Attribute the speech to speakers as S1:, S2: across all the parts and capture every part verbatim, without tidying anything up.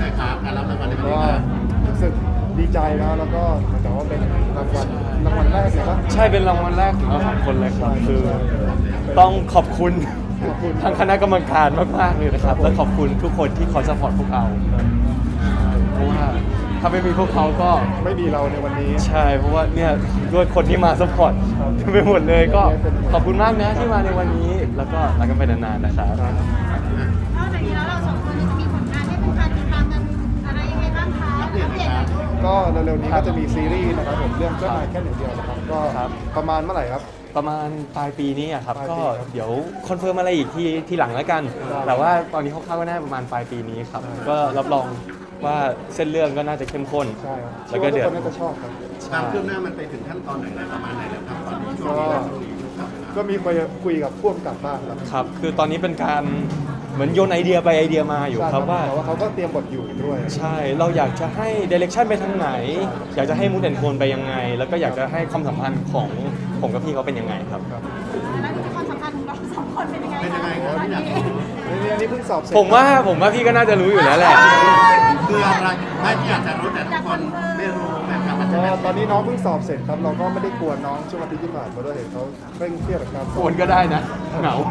S1: อยครับการรับรางวัลในวัน
S2: ก็
S1: นี้ครับ
S2: รู้สึกดีใจนะแล้วก็เหมือนกับว่าเป็นรางวัลรางวัลแรกเลยปะ
S3: ใช่เป็นรางวัลแรกของเราสองคนเลยครับคือต้องขอบคุณ
S2: ขอบคุณ
S3: ทางคณะกรรมการมากๆเลยนะครับและขอบคุณทุกคนที่คอยสปอร์ตพวกเราเพราะว่าถ้าไม่มีพวกเขาก็
S2: ไม่มีเราในวันนี้
S3: ใช่เพราะว่าเนี่ยด้วยคนที่มาสปอร์ตเต็มไปหมดเลยก็ขอบคุณมากนะที่มาในวันนี้แล้วก็รักกันไปนานๆนะครับ
S4: นอกจากนี้แล้วเราสองคนจะมีผลงานให้ผู้การติดตามกันอะไรยังไงบ้างคะอัปเดตหน่อยค่ะ
S2: ก็เร็วๆนี้ก็จะมีซีรีส์นะครับผมเรื่องเจ้านายแค่หนึ่งเดียวนะครับก็ประมาณเมื่อไหร่ครับ
S3: ประมาณปลายปีนี้อะครับ
S2: ปลายปี
S3: ก็
S2: ครับ
S3: เดี๋ยวคอนเฟิร์มอะไรอีกทีทีหลังแล้วกัน
S2: ได้
S3: แต่ว่าตอนนี้คร่าวๆก็น่าจะประมาณปลายปีนี้ครับ
S2: ได้
S3: ก็รับรองว่าเส้นเรื่องก็น่าจะเข้มข้น
S2: ใช่ครับ
S3: แล้วก็เดือด
S2: ชื่าทุคนน่าจะชอบครับ
S1: ความคืบหน้ามันไปถึงขั้นตอนไหนอะไรประมาณไหนแล้วครับตอนนี้ช่วง
S2: ก็
S1: นี้ช่วงนี้ครับ
S2: ก็มีคุยคุยกับพ่วงกับบ้างครับ
S3: ครับ คือตอนนี้เป็นการเหมือนโยนไอเดียไปไอเดียมาอยู่ครับว่า
S2: แต่ว่าเขาก็เตรียมบทอยู่ด้วย
S3: ใช่ เราอยากจะให้เดเรคชันไปทางไหน อยากจะให้มูดแอนโทนไปยังไง แล้วก็อยากจะให้ความสัมพันธ์ของผมกับพี่เขาเป็นยังไงครับ
S4: แล้วความสัมพันธ์ของเราสองคนเป็นยังไง
S1: เป็นยังไงครับพี่อยากรู้
S2: นี่อันนี้เพิ่งสอบเสร็จ
S3: ผมว่าผมว่าพี่ก็น่าจะรู้อยู่แล้วแหละ
S1: คืออะไรไม่ที่อยากจะรู้แต่ทุกคนไม่รู้นะครับมันจะ
S2: ก็
S1: เป็น
S2: ตอนนี้น้องเพิ่งสอบเสร็จครับเราก็ไม่ได้กวนน้องช่วงอาทิตย์ที่ผ่านมาด้วยเห็นเขาเคร่งเครียดกับการส
S3: โอ
S2: อบ
S3: นก็ได้นะ เหงา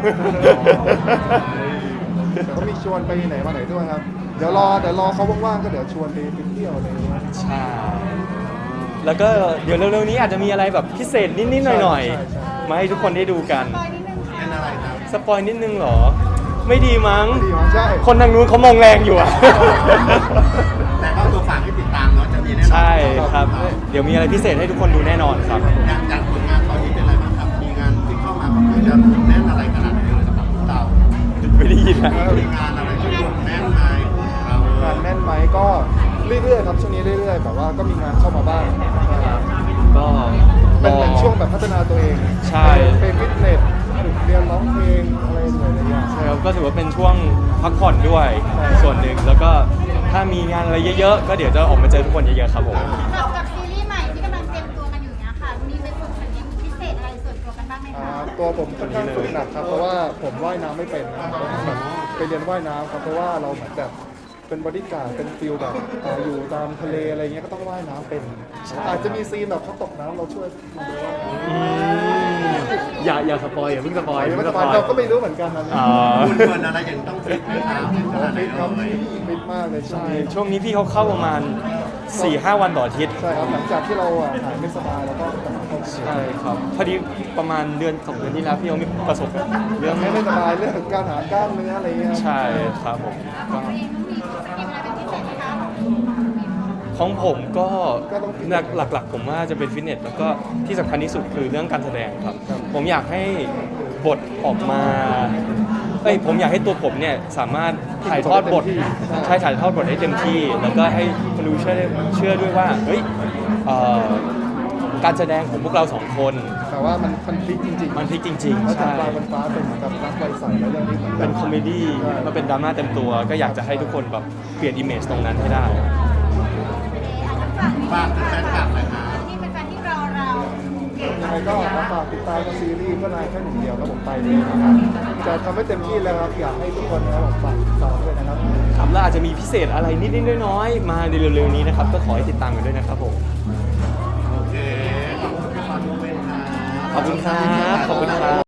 S2: แต่ก็มีชวนไปไหนมาไหนด้วยครับ เดี๋ยวรอเดี๋ยวรอเขาว่างๆก็เดี๋ยวชวนไปไปเที่ยวอะไรอย่างเงี้ย
S3: ใช่ แล้วก็เดี๋ยวเร็วๆนี้อาจจะมีอะไรแบบพิเศษนิดๆหน่อย
S2: ใช่ใช่
S3: ๆ มาให้ทุกคนได้ดูกัน
S4: ปอยนิดนึงค่ะ
S1: เป็นอะไรครับ
S3: สปอยนิดนึงเหรอ ไม่ดีมั้ง
S2: ดีมั้งใช่
S3: คนทางนู้นเขามองแรงอยู่อะ
S1: แต่ก็ตัวฝากให้ติดตามเนาะจะมีแน่นอน
S3: ใช่ครับ เดี๋ยวมีอะไรพิเศษให้ทุกคนดูแน่นอนครับ
S1: อย่างอย่างผลงานตอนนี้เป็นอะไรบ้างครับ มีงานที่เข้ามาค่อนข้างจะแน่นอะไรขนาดไหนเลยสำหรับพวกเรา
S3: ไม่ได้ยินนะ
S1: มีงานอะไรที่แน่นไหมเรา
S2: งานแน่นไหมก็เรื่อยๆครับช่วงนี้เรื่อยๆแบบว่าก็มีงานเข้ามาบ้าง
S3: ก็
S2: เป็นเหมือนช่วงแบบพัฒนาตัวเอง
S3: ใช่
S2: ไปฟิตเนสฝึกเรียนร้องเพลงอะไรหลายๆอย่าง
S3: ใช่ครับก็ถือว่าเป็นช่วงพักผ่อนด้วย
S2: ใช่
S3: ส่วนหนึ่ง แล้วก็ถ้ามีงานอะไรเยอะๆ ก็เดี๋ยวจะออกมาเจอทุกคนเยอะๆครับผม
S4: กับกับซีรีส์ใหม่ที่กำลังเตรียมตัวกันอยู่เนี้ยค่ะ มีเป็นฝึกฝนพิเศษอะไรส่วนตัวกันบ้างไหม
S2: อ่า
S4: คะ
S2: ตัวผมค่อนข้างฝึกหนักครับเพราะว่าผมว่ายน้ำไม่เป็นนะแบบไปเรียนว่ายน้ำครับเพราะว่าเราเหมือนแบบเป็นบอดี้การ์ดเป็นฟิลแบบอ่าอยู่ตามทะเลอะไรเงี้ยก็ต้องว่ายน้ำเป็น อาจจะมีซีนแบบเขาตกน้ำเราช่วยมาดูว่า
S3: อืมอย่าอย่าสปอยอย่าเพิ่งสปอย
S2: ไม่
S3: อย่าเพิ่ง
S2: ส
S3: ส
S2: ป
S3: ป
S2: อ
S3: อย ย
S2: เราก็ไม่รู้เหมือนกันนะ
S3: อ๋อ
S1: คุณเฟิร์นอะไรอย่างต้องฟิตไหมครับฟิตขนาดไหน
S2: ฟิตครับ
S1: เลย
S2: ฟิตมากเลยช่วง
S3: ใช่
S2: นี้
S3: ช่วงนี้พี่เขาเข้าประมาณ สี่ห้า วันต่ออาทิตย์
S2: ใช่ครับหลังจากที่เราอ่ะหายไม่สบายแล้วก็กลับมาเข้า
S3: ใช่ครับ พอดีประมาณเดือนสองเดือนที่แล้วพี่เขามีประสบเรื่อง
S2: ไม่ไม่สบายเรื่องการหากล้ามเนื้ออะไรเงี้ย
S3: ใช่ครับผมก็
S4: ตัวเองต้องมีสกิลอะไรเป็นพิเศษไหมคะ
S3: ของผมก็หลักหลักๆ ผมว่าจะเป็นฟิตเนสแล้วก็ที่สำคัญที่สุดคือเรื่องการแสดงครับ ผมอยากให้บทออกมาเอ้ยผมอยากให้ตัวผมเนี่ยสามารถถ่ายทอดบทใช่ถ่ายทอดบทให้เต็มที่ แล้วก็ให้คนดูเชื่อได้เชื่อด้วยว่าเฮ้ยเอ่อการแสดงของพวกเราสองคน
S2: แต่ว่ามันมันพลิกจริงๆ
S3: มันพลิกจริง
S2: แล้ว
S3: ๆ
S2: จาก
S3: ใช่
S2: ปลายบนฟ้าเป็นเหมือนกับรักไวใสแล้วเรื่องนี้เหมือนกั
S3: เป็นคอมเมดี้มาเป็นดราม่าเต็มตัว ก็อยากจะให้ทุกคนแบบเปลี่ยนอิมเมจตรงนั้นให้ได้
S1: ฝากถึงแฟนคลับหน่อยครับ
S4: ที่เป็นแฟนที่รอเรา
S2: ยังไงก็มาฝากติดตามกับซีรีส์ก็นายแค่หนึ่งเดียวครับผมไปเลยนะครับจะทำให้เต็มที่แล้วครับอยากให้ทุกคนนะครับผมฝากติดตามด้วยนะครับ
S3: ครับแล้วอาจจะมีพิเศษอะไรนิดๆน้อยๆมาในเร็วๆนี้นะครับ ก็ขอให้ติดตามกันด้วยนะครับผม
S1: โอเค ขอบคุณพี่ปอนด้วยครับ
S3: ขอบคุณครับ ขอบคุณครับ